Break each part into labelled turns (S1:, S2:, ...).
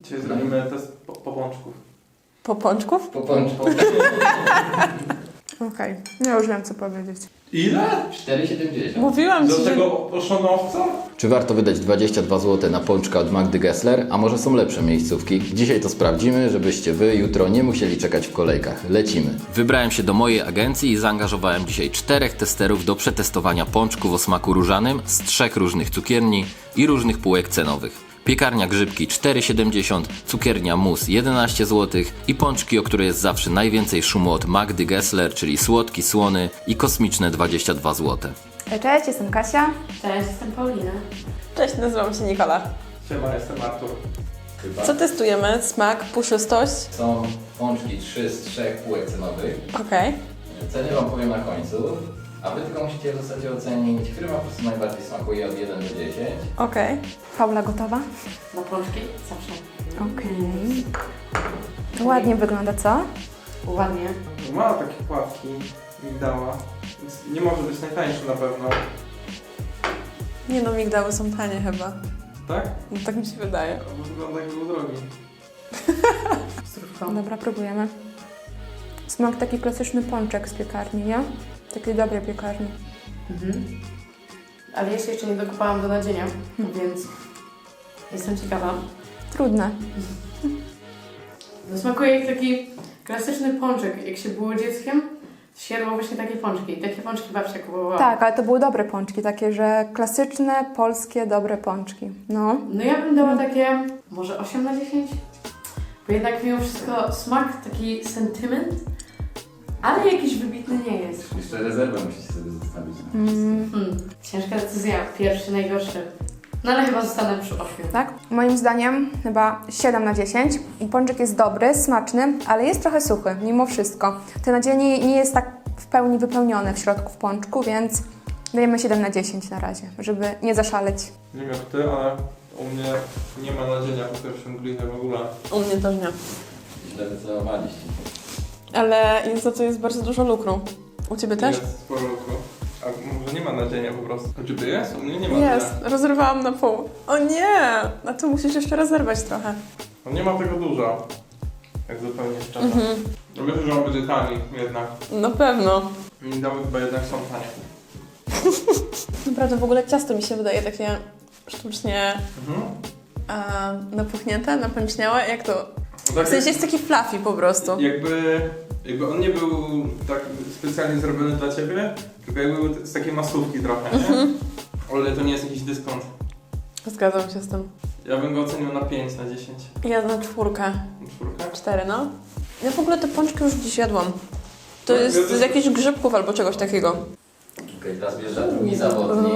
S1: Dzisiaj zrobimy test popączków.
S2: Popączków?
S3: Popączków.
S2: Okej, ja już wiem co powiedzieć.
S1: Ile?
S3: 4,70.
S2: Mówiłam
S1: Do
S2: ci, że...
S1: tego oszonowca?
S3: Czy warto wydać 22 zł na pączka od Magdy Gessler? A może są lepsze miejscówki? Dzisiaj to sprawdzimy, żebyście wy jutro nie musieli czekać w kolejkach. Lecimy. Wybrałem się do mojej agencji i zaangażowałem dzisiaj 4 testerów do przetestowania pączków o smaku różanym z 3 różnych cukierni i różnych półek cenowych. Piekarnia Grzybki 4,70, cukiernia Mus 11 zł i pączki, o które jest zawsze najwięcej szumu od Magdy Gessler, czyli słodki, słony i kosmiczne 22 zł.
S4: Cześć, jestem Kasia.
S5: Cześć, jestem Paulina.
S2: Cześć, nazywam się Nikola.
S1: Siema, jestem Artur.
S2: Co testujemy? Smak, puszystość?
S3: Są pączki 3 z 3 półek cenowych.
S2: Okej.
S3: Ceny wam powiem na końcu, a wy tylko musicie w zasadzie ocenić, który wam po prostu najbardziej smakuje od 1 do 10.
S2: Okej.
S4: Paula gotowa?
S5: Na pączki? Zawsze.
S4: Okej. To ładnie wygląda, co?
S5: Ładnie.
S1: Ma takie pławki, migdała. Więc nie może być najtańszy na pewno.
S2: Nie no, migdały są tanie chyba.
S1: Tak?
S2: No, tak mi się wydaje.
S1: Bo wygląda jak był drogi.
S5: Zdrówko.
S4: Dobra, próbujemy. Smak taki klasyczny pączek z piekarni, nie? Takiej dobrej piekarni.
S5: Mhm. Ale jeszcze nie dokupałam do nadzienia, więc jestem ciekawa.
S4: Trudne.
S5: No, smakuje jak taki klasyczny pączek. Jak się było dzieckiem, to się jadło właśnie takie pączki. Takie pączki babcia kupowała.
S4: Tak, ale to były dobre pączki, takie, że klasyczne, polskie, dobre pączki. No.
S5: No ja bym dała takie może 8 na 10. Bo jednak mimo wszystko smak, taki sentyment, ale jakiś wybitny nie jest.
S3: Jeszcze rezerwę musicie sobie zostawić.
S5: Ciężka decyzja. Pierwszy, najgorszy. No ale chyba zostanę przy 8.
S4: Tak? Moim zdaniem chyba 7 na 10. Pączek jest dobry, smaczny, ale jest trochę suchy, mimo wszystko. To nadzienie nie jest tak w pełni wypełnione w środku w pączku, więc dajemy 7 na 10 na razie, żeby nie zaszaleć.
S1: Nie wiem jak ty, ale u mnie nie ma nadzienia po pierwszym glinie w ogóle.
S2: U mnie też nie.
S3: Źle wycelowaliście.
S2: Ale jest za to jest bardzo dużo lukru. U ciebie też?
S1: Jest sporo lukru. A może nie ma nadzienia po prostu. A czy ty jest? U mnie nie ma
S2: Jest,
S1: tyle.
S2: rozerwałam na pół. O nie! No to musisz jeszcze rozerwać trochę.
S1: No nie ma tego dużo. Jak zupełnie szczerze. No wiesz, że on będzie tani jednak.
S2: Na pewno.
S1: Migdały chyba jednak są tanie.
S2: Naprawdę w ogóle ciasto mi się wydaje takie sztucznie napuchnięte, napęczniałe. Jak to?
S1: No tak
S2: W sensie jest taki fluffy po prostu.
S1: jakby on nie był tak specjalnie zrobiony dla ciebie, tylko jakby był z takiej masówki trochę, nie? Ale to nie jest jakiś dyskont.
S2: Zgadzam się z tym.
S1: Ja bym go ocenił na 5 na 10.
S2: Ja na 4.
S1: Czwórkę?
S2: 4, no. Ja w ogóle te pączki już dziś jadłam. To
S1: No,
S2: jest
S1: ja też-
S2: z jakichś grzybków albo czegoś takiego.
S3: Okej, teraz wjeżdża drugi zawodnik.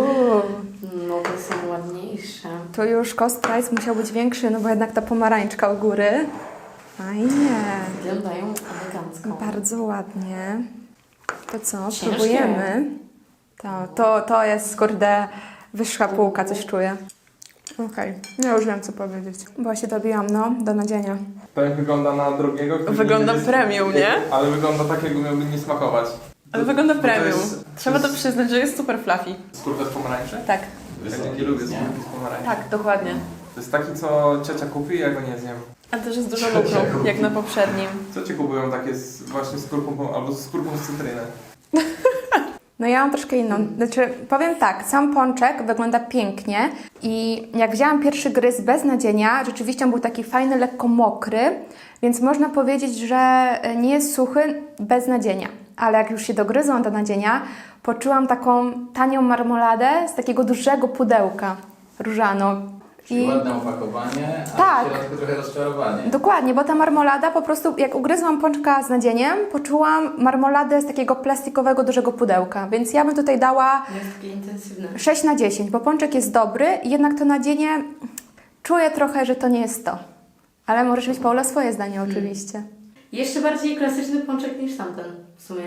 S5: No to są ładniejsze.
S4: To już cost price musiał być większy, no bo jednak ta pomarańczka u góry. Fajnie.
S5: Wyglądają elegancko.
S4: Bardzo ładnie. To co,
S5: Ciężkie.
S4: próbujemy? To jest, kurde, wyższa półka, coś czuję. Okej, ja już wiem co powiedzieć. Bo się dobiłam, no, do nadzienia.
S1: Tak wygląda na drogiego. który
S2: Wygląda
S1: nie jest-
S2: premium, nie?
S1: Ale wygląda tak, jakby miałby nie smakować.
S2: Ale wygląda
S1: Bo to
S2: premium.
S1: jest-
S2: Trzeba to
S1: jest
S2: przyznać, że jest super fluffy.
S1: Skórka z pomarańczy?
S2: Tak,
S1: Ja nie lubię skórki z pomarańczy.
S2: tak, dokładnie.
S1: To jest taki, co ciocia kupi, ja go nie zjem.
S2: A też jest dużo lukru, jak na poprzednim.
S1: Ciocie kupują takie właśnie z skórką, albo z skórką z cytryny.
S4: No ja mam troszkę inną. Znaczy, powiem tak, sam pączek wygląda pięknie i jak wzięłam pierwszy gryz bez nadzienia, rzeczywiście on był taki fajny, lekko mokry, więc można powiedzieć, że nie jest suchy bez nadzienia. Ale jak już się dogryzłam do nadzienia, poczułam taką tanią marmoladę z takiego dużego pudełka różaną.
S3: Czyli ładne opakowanie, a
S4: Tak.
S3: w środku trochę rozczarowanie.
S4: Dokładnie, bo ta marmolada po prostu, jak ugryzłam pączka z nadzieniem, poczułam marmoladę z takiego plastikowego, dużego pudełka. Więc ja bym tutaj dała
S5: Jest takie intensywne.
S4: 6 na 10, bo pączek jest dobry, jednak to nadzienie czuję trochę, że to nie jest to. Ale możesz mieć, Paula, swoje zdanie oczywiście.
S5: Jeszcze bardziej klasyczny pączek niż tamten w sumie.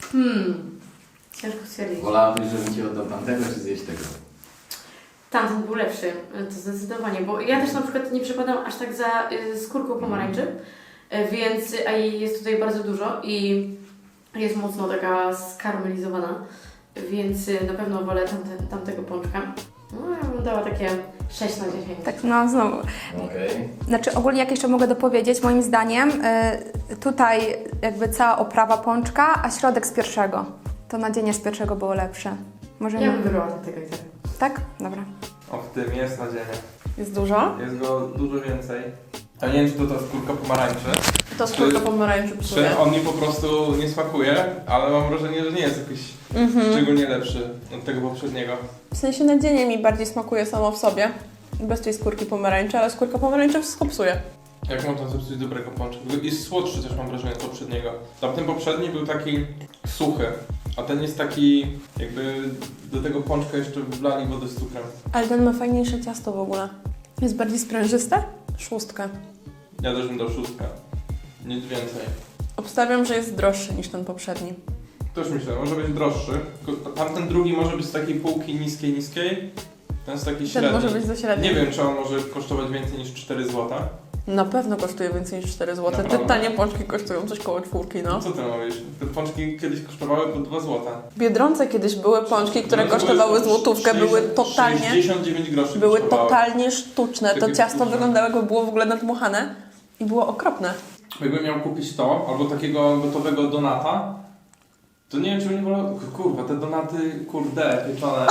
S5: Ciężko stwierdzić.
S3: Wolałabyś, żebym ci oddał tamtego, czy zjeść tego?
S5: Tamten był lepszy, to zdecydowanie, bo ja też na przykład nie przepadam aż tak za skórką pomarańczy, więc a jej jest tutaj bardzo dużo i jest mocno taka skarmelizowana, więc na pewno wolę tamtego pączka. No ja bym dała takie 6 na 10.
S4: Tak, no znowu.
S3: Okej.
S4: Znaczy ogólnie jak jeszcze mogę dopowiedzieć, moim zdaniem tutaj jakby cała oprawa pączka, a środek z pierwszego. To nadzienie z pierwszego było lepsze. Możemy...
S5: Ja bym wybrała tego i tego.
S4: Tak? Dobra.
S1: O, w tym jest nadzieja.
S2: Jest dużo?
S1: Jest go dużo więcej. A nie wiem, czy to ta skórka pomarańczy.
S2: To skórka pomarańczy psuje.
S1: Czy on mi po prostu nie smakuje, ale mam wrażenie, że nie jest jakiś szczególnie lepszy od tego poprzedniego.
S2: W sensie nadzienie mi bardziej smakuje samo w sobie. Bez tej skórki pomarańczy, ale skórka pomarańczy wszystko psuje.
S1: Jak można zepsuć dobrego pączka? Jest słodszy też mam wrażenie od poprzedniego. Tamten poprzedni był taki suchy, a ten jest taki jakby do tego pączka jeszcze wlali wodę z cukrem.
S2: Ale ten ma fajniejsze ciasto w ogóle. Jest bardziej sprężyste? 6.
S1: Ja też bym dał 6. Nic więcej.
S2: Obstawiam, że jest droższy niż ten poprzedni.
S1: Też myślę, może być droższy. Tylko tamten drugi może być z takiej półki niskiej. Ten jest taki średni.
S2: Ten może być za średni.
S1: Nie wiem, czy on może kosztować więcej niż 4 zł.
S2: Na pewno kosztuje więcej niż 4 zł. Te
S1: Naprawdę?
S2: tanie pączki kosztują coś koło 4, no.
S1: Co ty mówisz? Te pączki kiedyś kosztowały po 2 zł.
S2: W Biedronce kiedyś były pączki, które kosztowały złotówkę, były totalnie...
S1: 69 groszy
S2: Były
S1: kosztowały.
S2: totalnie sztuczne. To
S1: Takie
S2: ciasto
S1: sztuczne.
S2: wyglądało jakby było w ogóle nadmuchane i było okropne.
S1: Jakbym miał kupić to, albo takiego gotowego donata, to nie wiem, czy bym nie wolał... Kurwa, te donaty, kurde, pieczone.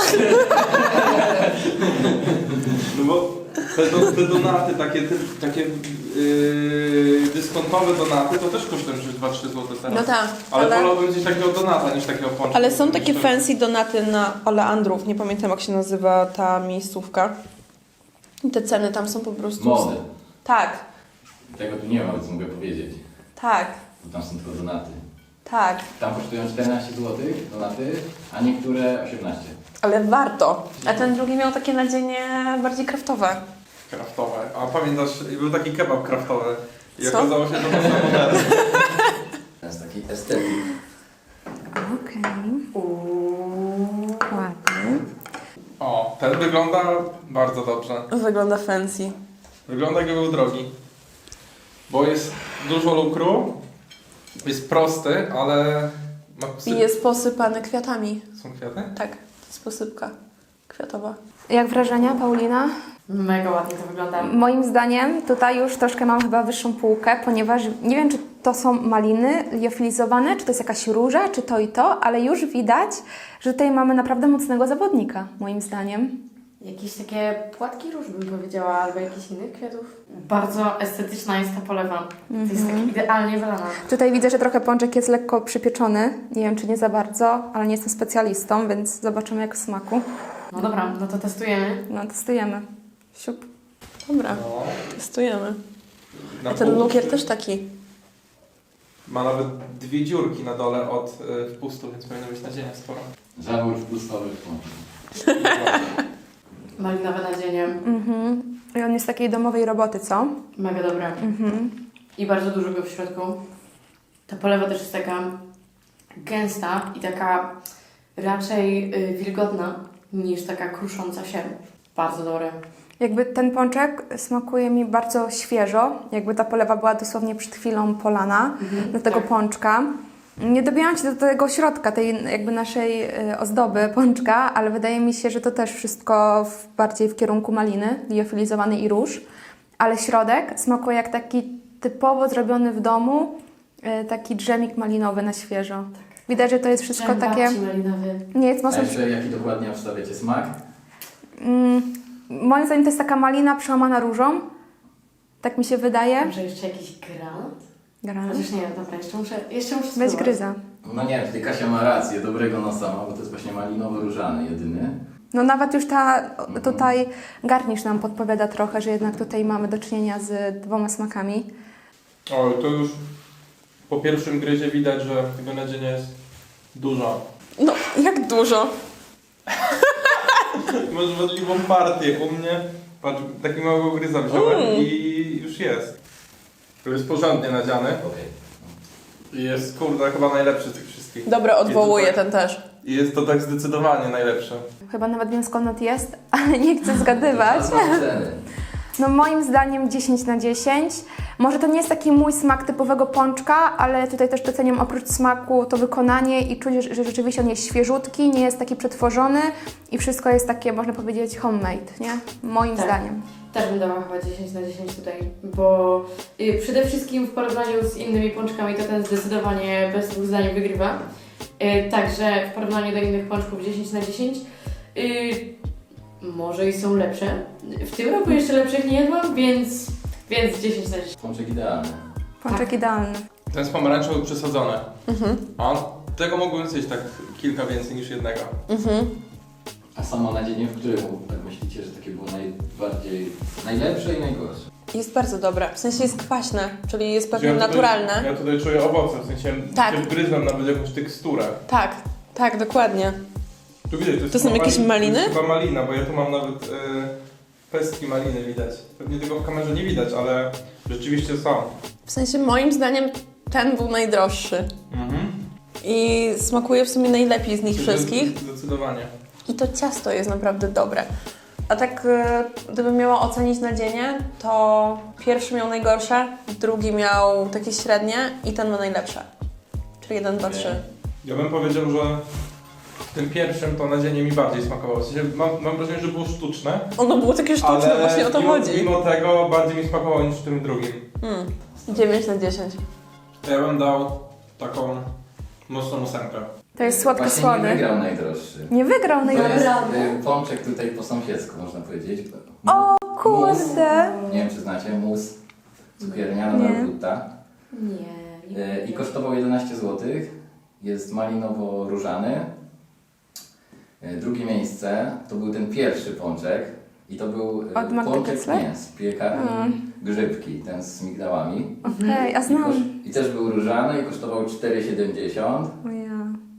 S1: No bo te donaty, takie dyskontowe donaty, to też kosztują już 2-3 zł teraz.
S2: No tak,
S1: Ale wolałbym gdzieś takiego donata niż takiego pączka.
S2: Ale są takie
S1: Myślę,
S2: fancy donaty na Oleandrów. Nie pamiętam, jak się nazywa ta miejscówka. I te ceny tam są po prostu...
S3: Mody.
S2: Tak,
S3: Tego tu nie ma, więc mogę powiedzieć.
S2: tak,
S3: Bo tam są tylko donaty.
S2: tak.
S3: Tam kosztują 14 zł donaty, a niektóre 18.
S2: Ale warto. A ten drugi miał takie nadzienie bardziej kraftowe.
S1: Kraftowe. A pamiętasz, był taki kebab kraftowy. I
S2: Co?
S1: okazało się, że to samochody.
S3: To jest taki estetyk.
S4: Okej. Ładnie.
S1: O, ten wygląda bardzo dobrze.
S2: Wygląda fancy.
S1: Wygląda jakby był drogi. Bo jest dużo lukru, jest prosty, ale ma
S2: I jest posypany kwiatami.
S1: Są kwiaty?
S2: Tak, to jest posypka kwiatowa.
S4: Jak wrażenia, Paulina?
S5: Mega ładnie to wygląda.
S4: Moim zdaniem tutaj już troszkę mam chyba wyższą półkę, ponieważ nie wiem, czy to są maliny liofilizowane, czy to jest jakaś róża, czy to i to, ale już widać, że tutaj mamy naprawdę mocnego zawodnika, moim zdaniem.
S5: Jakieś takie płatki róż bym powiedziała, albo jakichś innych kwiatów. Bardzo estetyczna jest ta polewa. To jest tak idealnie wylana.
S4: Tutaj widzę, że trochę pączek jest lekko przypieczony. Nie wiem, czy nie za bardzo, ale nie jestem specjalistą, więc zobaczymy jak w smaku.
S5: No dobra, no to testujemy.
S4: No, testujemy. Siup.
S2: Dobra,
S1: No.
S2: testujemy.
S1: Na
S2: A ten
S1: pół-
S2: lukier też taki.
S1: Ma nawet 2 dziurki na dole od wpustu, więc powinno być nadzienia sporo.
S3: Zawór wpustowy w pączku.
S5: Malinowe nadzienie.
S4: I on jest takiej domowej roboty, co?
S5: Mega dobre. I bardzo dużo go w środku. Ta polewa też jest taka gęsta i taka raczej wilgotna niż taka krusząca się. Bardzo dobre.
S4: Jakby ten pączek smakuje mi bardzo świeżo, jakby ta polewa była dosłownie przed chwilą polana do tego
S5: tak.
S4: pączka. Nie dobijałam się do tego środka, tej jakby naszej ozdoby pączka, ale wydaje mi się, że to też wszystko bardziej w kierunku maliny, liofilizowany i róż. Ale środek smakuje jak taki typowo zrobiony w domu, taki dżemik malinowy na świeżo. Widać, że to jest wszystko
S5: Dżem
S4: takie...
S5: babci malinowy.
S4: Nie jest
S3: A
S4: mocno...
S3: jeszcze jaki dokładnie obstawiacie smak?
S4: Moim zdaniem to jest taka malina przełamana różą. Tak mi się wydaje.
S5: Może jeszcze jakiś granat?
S4: Granat.
S5: Chociaż nie, dobra, jeszcze muszę
S4: Weź
S5: spróbować.
S4: gryza.
S3: No nie, tutaj Kasia ma rację, dobrego nosa ma, bo to jest właśnie malinowo-różany jedyny.
S4: No nawet już tutaj garnisz nam podpowiada trochę, że jednak tutaj mamy do czynienia z 2 smakami.
S1: O, to już po pierwszym gryzie widać, że tego nadzienia jest dużo.
S2: No, jak dużo.
S1: Masz możliwą partię. U mnie, patrz, taki małego gryza wziąłem i już jest. To jest porządnie nadziany. I jest, kurde, chyba najlepszy z tych wszystkich.
S2: Dobra, odwołuję
S1: I to tak-
S2: ten też.
S1: I jest to tak zdecydowanie najlepsze.
S4: Chyba nawet wiem skąd on jest, ale nie chcę zgadywać.
S3: To ceny.
S4: No moim zdaniem 10 na 10. Może to nie jest taki mój smak typowego pączka, ale tutaj też doceniam oprócz smaku to wykonanie i czuć, że rzeczywiście on jest świeżutki, nie jest taki przetworzony i wszystko jest takie, można powiedzieć, homemade, nie? Moim
S5: Tak.
S4: zdaniem.
S5: Też bym dała chyba 10 na 10 tutaj, bo przede wszystkim w porównaniu z innymi pączkami to ten zdecydowanie bez dwóch zdań wygrywa. Także w porównaniu do innych pączków 10 na 10. Może i są lepsze. W tym roku jeszcze lepszych nie jadłam, więc 10 na 10.
S3: Pączek idealny.
S4: Pączek idealny.
S1: Ten z pomarańczą przesadzony. A tego mogłem zjeść tak kilka więcej niż jednego.
S3: A samo nadzienie, w którym tak myślicie, że takie było najlepsze i najgorsze?
S2: Jest bardzo dobre, w sensie jest kwaśne, czyli jest pewnie
S1: Ja tutaj-
S2: naturalne.
S1: Ja tutaj czuję owoce, w sensie
S2: Tak.
S1: wgryzłem nawet jakąś teksturę.
S2: Tak, tak, dokładnie.
S1: Tu widać, to jest
S2: To są
S1: chyba
S2: jakieś maliny?
S1: To jest chyba malina, bo ja tu mam nawet pestki maliny widać. Pewnie tego w kamerze nie widać, ale rzeczywiście są.
S2: W sensie moim zdaniem ten był najdroższy i smakuje w sumie najlepiej z nich wszystkich.
S1: Zdecydowanie.
S2: I to ciasto jest naprawdę dobre. A tak gdybym miała ocenić nadzienie, to pierwszy miał najgorsze, drugi miał takie średnie i ten ma najlepsze. Czyli 1, 2, 3.
S1: Ja bym powiedział, że w tym pierwszym to nadzienie mi bardziej smakowało. W sensie mam wrażenie, że było sztuczne,
S2: Ono było takie sztuczne,
S1: ale
S2: właśnie o to chodzi.
S1: mimo tego bardziej mi smakowało niż w tym drugim.
S2: 9 na 10.
S1: To ja bym dał taką mocną 8.
S4: To jest
S3: Właśnie nie
S4: słodko-słony.
S3: wygrał najdroższy.
S4: Nie wygrał
S3: To jest
S4: najlepszy.
S3: pączek tutaj po sąsiedzku, można powiedzieć.
S4: O kurde!
S3: Nie wiem, czy znacie, mus cukiernia na Margutta.
S5: Nie.
S3: I kosztował 11 zł. Jest malinowo-różany. Drugie miejsce to był ten pierwszy pączek. I to był
S4: Od Magdy
S3: pączek
S4: Gessler?
S3: z piekarni Grzybki, ten z migdałami.
S4: Okej, a znam.
S3: I też był różany i kosztował 4,70.
S4: O ja.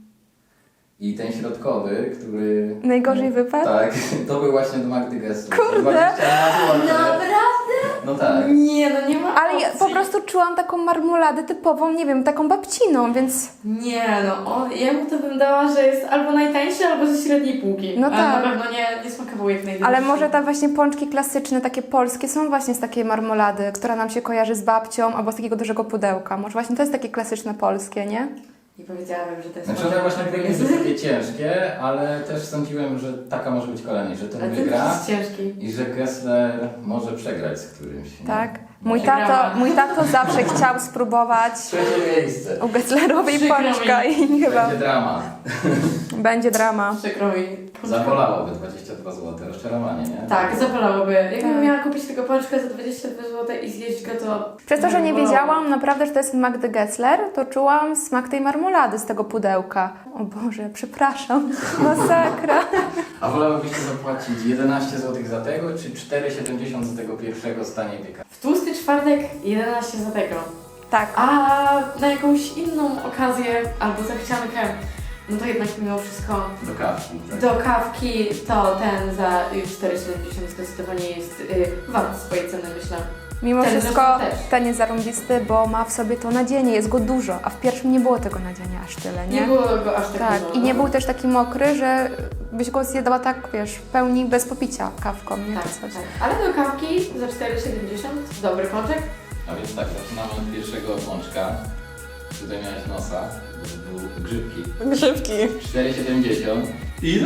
S3: I ten środkowy, który...
S4: Najgorzej wypadł?
S3: Tak, to był właśnie do Magdy Gessler.
S4: Kurde!
S3: 20 zł.
S5: Naprawdę?
S3: No tak.
S5: Nie, no nie ma
S4: Ale ja
S5: opcji.
S4: po prostu czułam taką marmoladę typową, nie wiem, taką babciną, więc
S5: Nie, no ja mu to bym dała, że jest albo najtańszy, albo ze średniej półki.
S4: No
S5: Ale
S4: tak.
S5: na pewno nie smakował jak najdroższy.
S4: ale może te właśnie pączki klasyczne, takie polskie, są właśnie z takiej marmolady, która nam się kojarzy z babcią, albo z takiego dużego pudełka. Może właśnie to jest takie klasyczne polskie, nie?
S5: Nie powiedziałabym, że to jest...
S3: Znaczy one właśnie były niestety takie ciężkie, ale też sądziłem, że taka może być kolejna, że ten
S5: Ale ten
S3: wygra
S5: jest ciężki.
S3: i że Gessler może przegrać z którymś. nie?
S4: Tak.
S3: No.
S4: Mój tato zawsze chciał spróbować
S3: Trzecie miejsce.
S4: u Gesslerowej
S5: Przykro
S4: pączka i chyba
S3: Będzie drama.
S4: będzie drama.
S5: Przykro mi.
S3: Zabolałoby 22 zł. Rozczarowanie, nie?
S5: Tak, zabolałoby. Jakbym
S4: Tak.
S5: miała kupić tego pączka za 22 zł i zjeść go, to...
S4: Przez to, że nie
S5: bolało.
S4: wiedziałam naprawdę, że to jest Magdy Gessler, to czułam smak tej marmolady z tego pudełka. O Boże, przepraszam. Masakra.
S3: A wolałybyście zapłacić 11 zł za tego, czy 4,70 za tego pierwszego z taniej piekarni?
S5: W tłusty czwartek 11 za tego.
S4: Tak.
S5: A na jakąś inną okazję albo zachciankę, no to jednak mimo wszystko
S3: Do kawki. Tak?
S5: do kawki to ten za 4,70 zdecydowanie jest wart swojej ceny, myślę.
S4: Mimo
S5: Ten
S4: wszystko
S5: zresztą też.
S4: ten jest zarąbisty, bo ma w sobie to nadzienie, jest go dużo, a w pierwszym nie było tego nadzienia aż tyle, nie?
S5: Nie było go aż tak
S4: Tak,
S5: dużo.
S4: i nie był też taki mokry, że byś go zjadała tak, wiesz, w pełni bez popicia kawką, nie?
S5: Tak,
S4: Czy coś.
S5: tak. Ale do kawki za 4,70 dobry pączek.
S3: A więc tak, zaczynamy od pierwszego pączka. Tutaj miałeś nosa, to był grzybki.
S2: Grzybki.
S3: 4,70.
S1: Ile?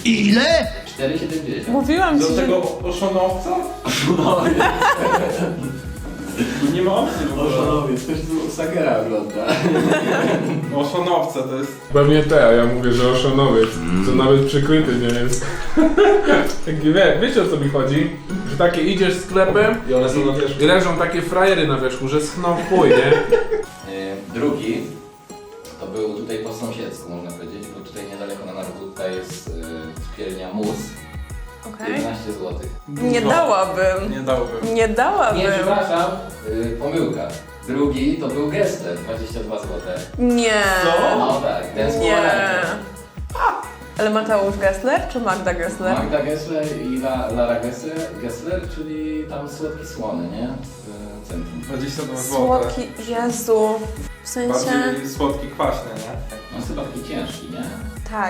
S3: 4,70.
S2: Mówiłam
S1: Do
S2: ci, że...
S1: tego oszonowca?
S3: No,
S1: Nie ma opcji w ogóle.
S3: Oszanowiec, ktoś tu Sakera ogląda.
S1: Oszonowce to jest...
S6: Pewnie te, a ja mówię, że oszonowiec, co nawet przykryty nie jest. Taki, wiecie o co mi chodzi? Że takie idziesz sklepem
S1: I one są na wierzchu.
S6: i leżą takie frajery na wierzchu, że schną w chuj, nie?
S3: Drugi to był tutaj po sąsiedzku, można powiedzieć, bo tutaj niedaleko na Narbuta jest spielnia Mus.
S2: Okej.
S3: 11 zł.
S2: Nie dałabym.
S1: Nie dałbym.
S2: Nie dałabym.
S3: Nie, przepraszam, pomyłka. Drugi to był Gessler, 22 zł.
S2: Nie.
S1: Co?
S3: No tak, ten z
S2: Nie.
S3: pomarańczą.
S2: Ale Mateusz Gessler czy Magda Gessler?
S3: Magda Gessler i Lara Gessler, czyli tam słodki słony, nie? W centrum.
S1: 22 zł.
S2: Słodki, Jezu. W sensie...
S1: Bardziej słodki, kwaśny, nie?
S3: On jest chyba taki ciężki, nie?
S2: Tak.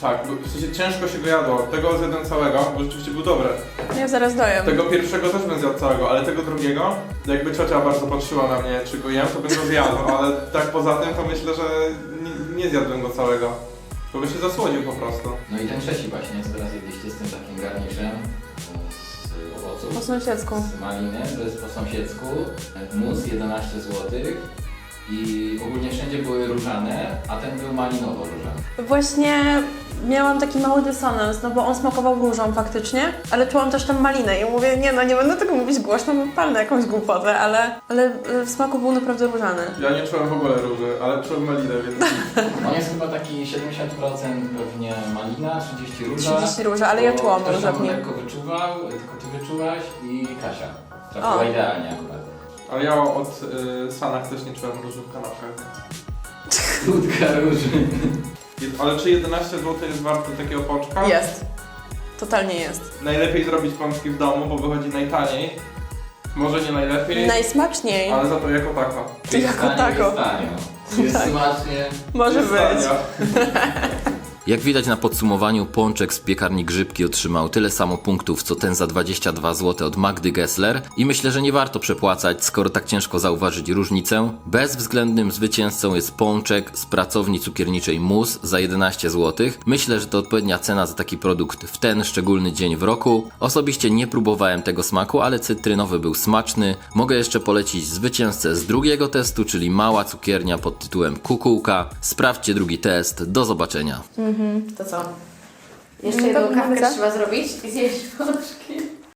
S1: Tak, w sensie ciężko się go jadło. Tego zjadłem całego, bo rzeczywiście był dobry.
S2: Ja zaraz dojem.
S1: Tego pierwszego też bym zjadł całego, ale tego drugiego, jakby ciocia bardzo patrzyła na mnie, czy go jem, to bym go zjadł, ale tak poza tym to myślę, że nie zjadłem go całego. Bo by się zasłodził po prostu.
S3: No i ten trzeci właśnie, co teraz jedliście z tym takim garniszem z owoców.
S2: Po sąsiedzku.
S3: Z maliny, to jest po sąsiedzku. Mus 11 zł. I ogólnie wszędzie były różane, a ten był malinowo-różany.
S2: Właśnie miałam taki mały dysonans, no bo on smakował różą faktycznie, ale czułam też tam malinę i mówię, nie będę tego mówić głośno, bo palnę jakąś głupotę, ale w smaku był naprawdę różany.
S1: Ja nie czułem w ogóle róży, ale czułem malinę, więc...
S3: On jest chyba taki 70% pewnie malina, 30 róża.
S2: 30 róża, ale ja czułam
S3: Ktoś
S2: różę
S3: tam
S2: w nim.
S3: lekko wyczuwał, tylko ty wyczułaś i Kasia. Trafiła idealnie akurat.
S1: Ale ja od Sanach też nie czułem róży w kanapkach.
S3: Krótka róży.
S1: Ale czy 11 zł jest warte takiego pączka?
S2: Jest. Totalnie jest.
S1: Najlepiej zrobić pączki w domu, bo wychodzi najtaniej. Może nie najlepiej,
S2: Najsmaczniej.
S1: ale za to jako tako.
S2: To jako tako.
S3: Jest tanio. Jest
S2: Tak.
S3: smacznie.
S2: Może
S1: Jest
S2: być.
S1: tania.
S3: Jak widać na podsumowaniu, pączek z piekarni Grzybki otrzymał tyle samo punktów, co ten za 22 zł od Magdy Gessler i myślę, że nie warto przepłacać, skoro tak ciężko zauważyć różnicę. Bezwzględnym zwycięzcą jest pączek z pracowni cukierniczej Mus za 11 zł. Myślę, że to odpowiednia cena za taki produkt w ten szczególny dzień w roku. Osobiście nie próbowałem tego smaku, ale cytrynowy był smaczny. Mogę jeszcze polecić zwycięzcę z drugiego testu, czyli mała cukiernia pod tytułem Kukułka. Sprawdźcie drugi test. Do zobaczenia.
S5: To co? Jeszcze
S4: No
S5: jedną
S4: dobra,
S5: kawkę
S4: dobra.
S5: trzeba zrobić i zjeść pączki.